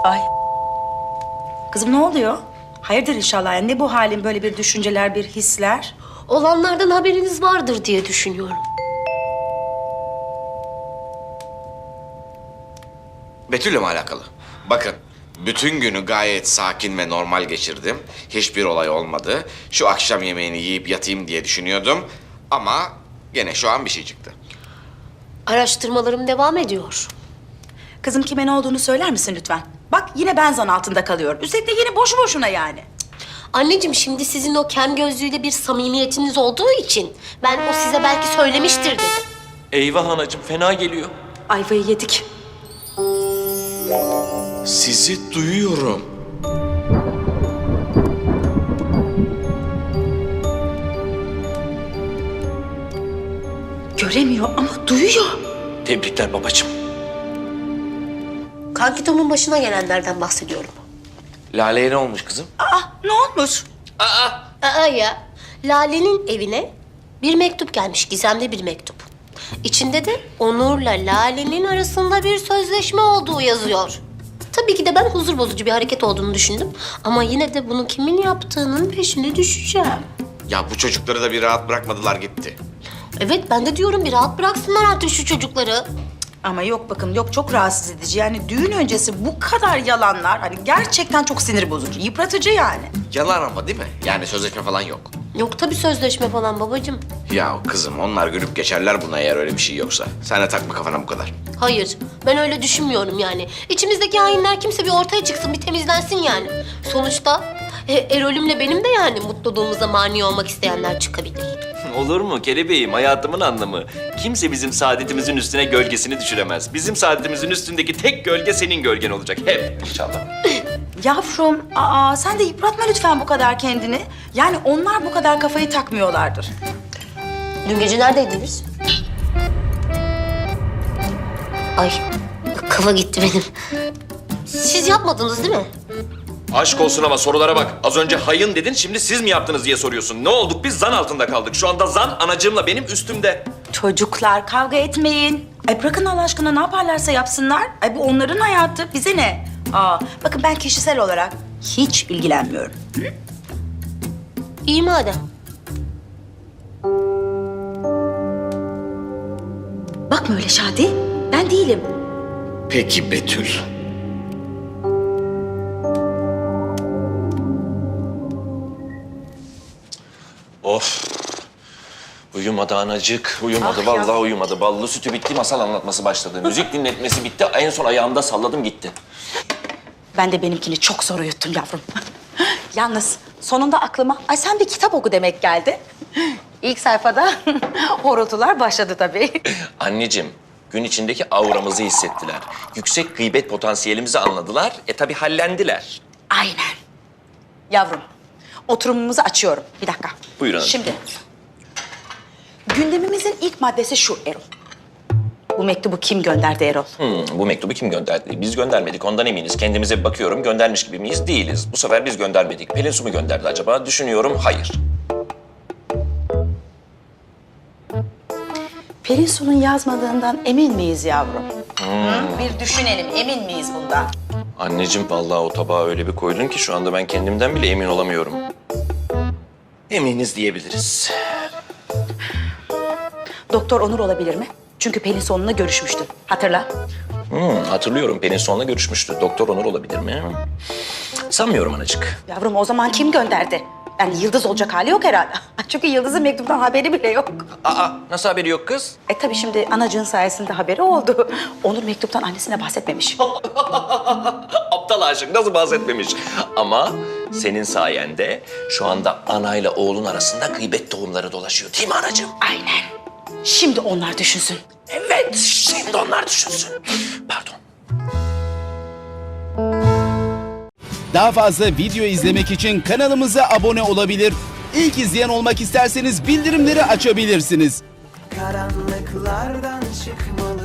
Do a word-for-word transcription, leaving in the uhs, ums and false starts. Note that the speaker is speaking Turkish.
Ay. Kızım ne oluyor? Hayırdır inşallah. Yani ne bu halin, böyle bir düşünceler, bir hisler? Olanlardan haberiniz vardır diye düşünüyorum. Betül'le mi alakalı? Bakın, bütün günü gayet sakin ve normal geçirdim. Hiçbir olay olmadı. Şu akşam yemeğini yiyip yatayım diye düşünüyordum. Ama gene şu an bir şey çıktı. Araştırmalarım devam ediyor. Kızım kime ne olduğunu söyler misin lütfen? Bak yine ben zan altında kalıyorum. Üstelik de yine boşu boşuna yani. Anneciğim şimdi sizin o kem gözlüğüyle bir samimiyetiniz olduğu için ben o size belki söylemiştir dedim. Eyvah anacığım, fena geliyor. Ayvayı yedik. Sizi duyuyorum. Göremiyor ama duyuyor. Tebrikler babacığım. Kankitomun başına gelenlerden bahsediyorum. Lale'ye ne olmuş kızım? Aa ne olmuş? Aa ya, Lale'nin evine bir mektup gelmiş, gizemli bir mektup. İçinde de Onur'la Lale'nin arasında bir sözleşme olduğu yazıyor. Tabii ki de ben huzur bozucu bir hareket olduğunu düşündüm. Ama yine de bunu kimin yaptığının peşine düşeceğim. Ya bu çocukları da bir rahat bırakmadılar gitti. Evet, ben de diyorum bir rahat bıraksınlar artık şu çocukları. Ama yok bakın, yok çok rahatsız edici. Yani düğün öncesi bu kadar yalanlar hani gerçekten çok sinir bozucu, yıpratıcı yani. Yalan ama değil mi? Yani sözleşme falan yok. Yok tabii sözleşme falan babacığım. Ya kızım onlar gülüp geçerler buna eğer öyle bir şey yoksa. Sen de takma kafana bu kadar. Hayır, ben öyle düşünmüyorum yani. İçimizdeki hainler kimse bir ortaya çıksın, bir temizlensin yani. Sonuçta e, Erol'ümle benim de yani mutluluğumuza mani olmak isteyenler çıkabilir. Olur mu kelebeğim, hayatımın anlamı. Kimse bizim saadetimizin üstüne gölgesini düşüremez. Bizim saadetimizin üstündeki tek gölge senin gölgen olacak. Hep inşallah. Yavrum, aa sen de yıpratma lütfen bu kadar kendini. Yani onlar bu kadar kafayı takmıyorlardır. Dün gece neredeydiniz? Ay, kafa gitti benim. Siz yapmadınız değil mi? Aşk olsun ama sorulara bak. Az önce hayın dedin, şimdi siz mi yaptınız diye soruyorsun. Ne olduk? Biz zan altında kaldık. Şu anda zan anacığımla benim üstümde. Çocuklar kavga etmeyin. Ay bırakın Allah aşkına, ne yaparlarsa yapsınlar. Ay bu onların hayatı, bize ne? Aa bakın ben kişisel olarak hiç ilgilenmiyorum. İyi madem. Bakma öyle Şadi, ben değilim. Peki Betül. Of. Uyumadı anacık, uyumadı. Ah ya. Vallahi uyumadı. Ballı sütü bitti, masal anlatması başladı. Müzik dinletmesi bitti. En son ayağımda salladım gitti. Ben de benimkini çok zor uyuttum yavrum. Yalnız sonunda aklıma, ay sen bir kitap oku demek geldi. İlk sayfada horultular başladı tabii. Anneciğim, gün içindeki auramızı hissettiler. Yüksek gıybet potansiyelimizi anladılar. E tabii hallendiler. Aynen. Yavrum, oturumumuzu açıyorum. Bir dakika. Buyurun hanım. Şimdi, gündemimizin ilk maddesi şu Erol. Bu mektubu kim gönderdi Erol? Hmm, bu mektubu kim gönderdi? Biz göndermedik, ondan eminiz. Kendimize bir bakıyorum, göndermiş gibi miyiz? Değiliz. Bu sefer biz göndermedik. Pelin Su mu gönderdi acaba? Düşünüyorum, hayır. Pelin Su'nun yazmadığından emin miyiz yavrum? Hı? Bir düşünelim, emin miyiz bundan? Anneciğim, vallahi o tabağa öyle bir koydun ki şu anda ben kendimden bile emin olamıyorum. Eminiz diyebiliriz. Doktor Onur olabilir mi? Çünkü Pelin Su onunla görüşmüştü. Hatırla. Hmm, hatırlıyorum, Pelin Su'nla görüşmüştü. Doktor Onur olabilir mi? Sanmıyorum anacık. Yavrum o zaman kim gönderdi? Yani Yıldız olacak hali yok herhalde. Çünkü Yıldız'ın mektuptan haberi bile yok. Aa, nasıl haberi yok kız? E tabii şimdi anacığın sayesinde haberi oldu. Onur mektuptan annesine bahsetmemiş. Aptal aşık, nasıl bahsetmemiş? Ama senin sayende şu anda anayla oğlun arasında gıybet tohumları dolaşıyor. Değil mi anacığım? Aynen. Şimdi onlar düşünsün. Evet, şimdi onlar düşünsün. Pardon. Daha fazla video izlemek için kanalımıza abone olabilir. İlk izleyen olmak isterseniz bildirimleri açabilirsiniz. Karanlıklardan çıkmalı